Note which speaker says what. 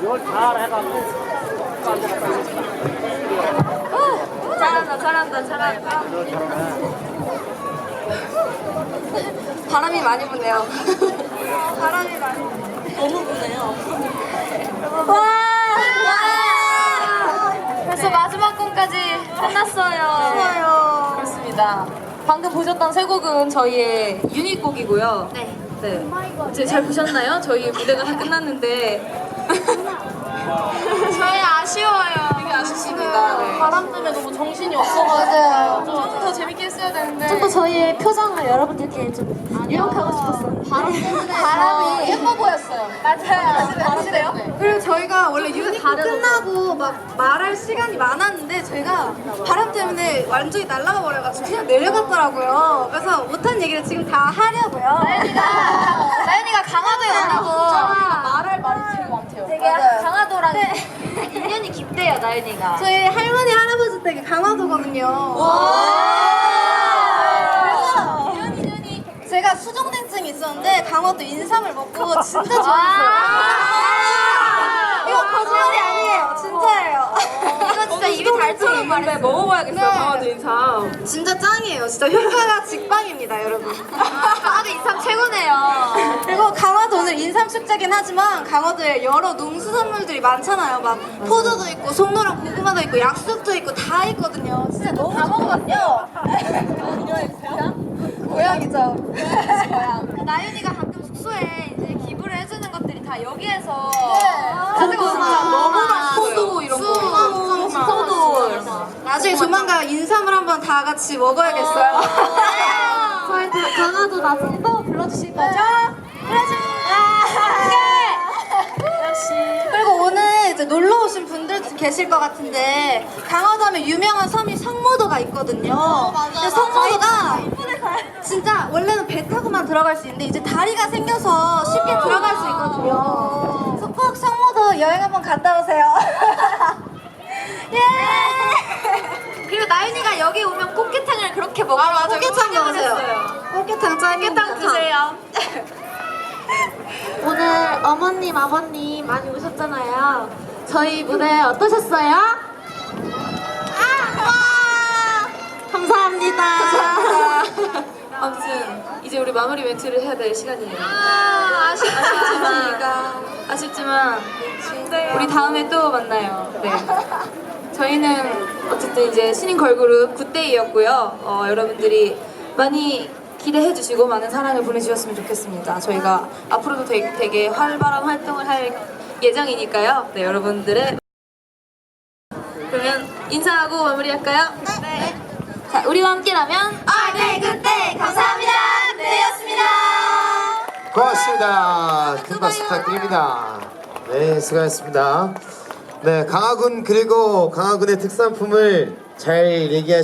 Speaker 1: 잘한다. 바람이 많이 부네요. 바람이 많이 너무 부네요. 와! 벌써 마지막 곡까지 끝났어요. 그렇습니다. 방금 보셨던 세 곡은 저희의 유닛 곡이고요. 네. 이제 잘 보셨나요? 저희 무대가 다 끝났는데 저희 아쉬워요. 되게 아쉽습니다. 네. 바람 때문에 너무 정신이 없어가지고 좀 더 재밌게 했어야 되는데
Speaker 2: 좀 더 저희의 표정을 여러분들께 좀 유혹하고 싶었어요.
Speaker 1: 바람 때문에 바람이 예뻐 보였어요. 맞아요. 바람이래요? 그리고 저희가 원래 유닛 끝나고 막 말할 시간이 많았는데 저희가 바람 때문에 완전히 날아가 버려가지고 그냥 내려갔더라고요. 그래서 못한 얘기를 지금 다 하려고요. 나연이가 강화도에 온다고 말할 말이 되게 많대요. 되게 강화도랑 인연이 깊대요, 나연이가. 저희 할머니 할아버지 댁이 강화도거든요. 그래서 제가 수족냉증이 있었는데 강화도 인삼을 먹고 진짜 좋았어요. 이거 거짓말이 아니에요, 진짜예요. 이거 진짜 입이 달처럼 말해 먹어봐야겠어요. 강화도 인삼 진짜 짱이에요. 진짜 효과가 직방입니다, 여러분. 강화도 인삼 최고네요. 그리고 강화도 오늘 인삼 축제긴 하지만 강화도에 여러 농수산물들이 많잖아요. 막 포도도 있고 송로랑 고구마도 있고 약수도 있고 다 있거든요. 진짜 너무 다 먹었죠. 고양이죠. 고양. 나윤이가 가끔 숙소에 이제 기부를 해주는 것들이 다 여기에서 가지고 진짜 너무 맛있어요. 포도 이런 거. 포도. 나중에 조만간 인삼을 한번 다 같이 먹어야겠어요.
Speaker 2: 저희 강화도 나중에 또 불러주실 거죠?
Speaker 1: 그리고 오늘 이제 놀러 오신 분들도 계실 것 같은데 강화도 하면 유명한 섬이 성모도가 있거든요. 근데 성모도가 진짜 원래는 배 타고만 들어갈 수 있는데 이제 다리가 생겨서 쉽게 들어갈 수 있거든요. 그래서 꼭 성모도 여행 한번 갔다 오세요. 예! 그리고 나윤이가 여기 오면 꽃게탕을 그렇게 먹어요. 꽃게탕 먹으세요. 꽃게탕 짱입니다. 꽃게탕 드세요.
Speaker 2: 오늘 어머님, 아버님 많이 오셨잖아요. 저희 무대 어떠셨어요? 감사합니다.
Speaker 3: 아무튼 이제 우리 마무리 멘트를 해야 될 시간이에요. 아쉽지만 우리 다음에 또 만나요. 네. 저희는 어쨌든 이제 신인 걸그룹 굿데이였고요. 여러분들이 많이 기대해 주시고 많은 사랑을 보내주셨으면 좋겠습니다. 저희가 앞으로도 되게 활발한 활동을 할 예정이니까요. 네, 여러분들의 그러면 인사하고 마무리할까요? 네. 자, 우리와 함께라면
Speaker 1: 네, 그때 감사합니다. 굿데이였습니다.
Speaker 4: 고맙습니다. 큰 박수 부탁드립니다. 네, 수고하셨습니다. 네, 강화군 그리고 강화군의 특산품을 잘 얘기하시